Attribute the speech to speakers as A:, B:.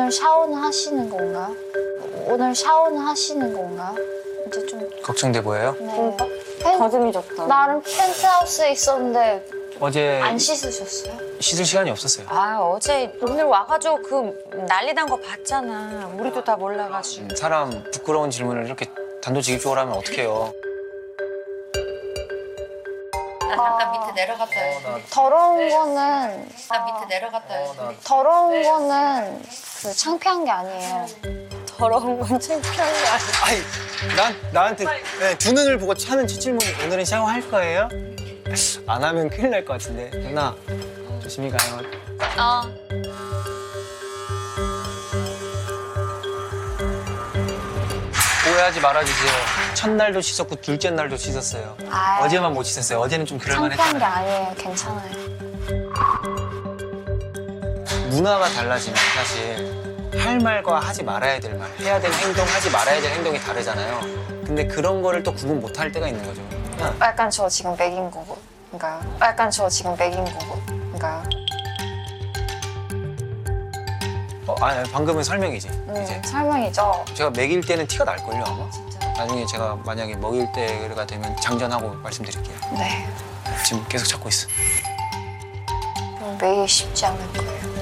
A: 오늘 샤워는 하시는 건가요? 오늘 샤워는 하시는 건가요? 이제 좀
B: 걱정돼 보여요?
A: 네.
C: 가슴이 졌다.
A: 나름 펜트하우스에 있었는데
B: 어제
A: 안 씻으셨어요?
B: 씻을 시간이 없었어요.
C: 아 어제 오늘 와가지고 그 난리 난 거 봤잖아. 우리도 다 몰라가지고.
B: 사람 부끄러운 질문을 이렇게 단도직입적으로 하면 어떡해요.
D: 나 잠깐 밑에 내려갔다 해.
A: 더러운 거는
D: 나 밑에 내려갔다 해.
A: 더러운 거는 그 창피한 게 아니에요.
C: 더러운 건 창피한 거 아니야.
B: 아니, 나한테 네, 두 눈을 보고 하는 첫 질문이 오늘은 샤워할 거예요? 안 하면 큰일 날 것 같은데. 누나, 조심히 가요. 오해하지 말아주세요. 첫날도 씻었고 둘째 날도 씻었어요.
A: 아이,
B: 어제만 못 씻었어요. 어제는 좀
A: 창피한 게
B: 그럴만했잖아요.
A: 아니에요. 괜찮아요.
B: 문화가 달라지면 사실 할 말과 하지 말아야 될 말, 해야 될 행동, 하지 말아야 될 행동이 다르잖아요. 근데 그런 거를 또 구분 못 할 때가 있는 거죠. 그냥
A: 약간 저 지금 맥인 거고. 그러니까 약간 저 지금 맥인 거고. 그러니까
B: 아니, 방금은 설명이지. 이제
A: 설명이죠.
B: 제가 먹일 때는 티가 날걸요, 아마? 나중에 제가 만약에 먹일 때가 되면 장전하고 말씀드릴게요.
A: 네.
B: 지금 계속 찾고 있어.
A: 매일 쉽지 않을 거예요.